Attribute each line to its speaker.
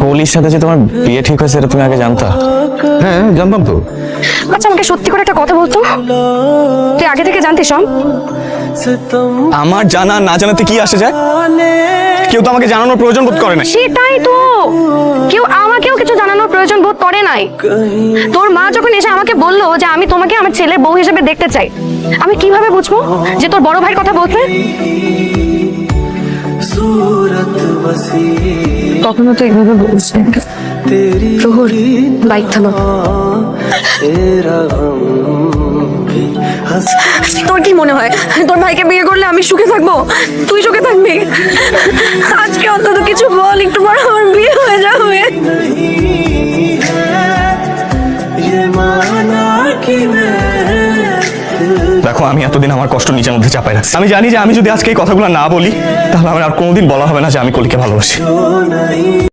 Speaker 1: কলির সাথে যে তোমার বিয়ে ঠিক হয়েছে এটা তুমি আগে জানতা?
Speaker 2: হ্যাঁ জানতাম তো।
Speaker 3: আচ্ছা আমাকে সত্যি করে একটা কথা বলতো, তুই আগে থেকে জানতিস সব?
Speaker 1: আমার জানা না জানাতে কি আসে যায়? কেউ তো আমাকে জানানোর প্রয়োজন বোধ করে না।
Speaker 3: সেটাই তো, কেউ আমাকেও কিছু জানানোর প্রয়োজন বোধ করে নাই। তোর মা যখন এসে আমাকে বললো যে আমি তোমাকে আমার ছেলের বউ হিসেবে দেখতে চাই, আমি কিভাবে বুঝবো যে তোর বড় ভাইয়ের কথা বলছে? কখনো তো এইভাবে বলিস না। প্রহর, বাইক থামা। তোর কি মনে হয় তোর ভাইকে বিয়ে করলে আমি সুখে থাকবো? তুই সুখে থাকবি? আজকে অন্তত কিছু বল, একটু পর আমার বিয়ে হয়ে যাবে।
Speaker 1: দেখো, আমি এতদিন আমার কষ্ট নিজের মধ্যে চাপাই রাখছি। আমি জানি যে আমি যদি আজকে এই কথাগুলো না বলি তাহলে আমার আর কোনোদিন বলা হবে না যে আমি কলিকে ভালোবাসি।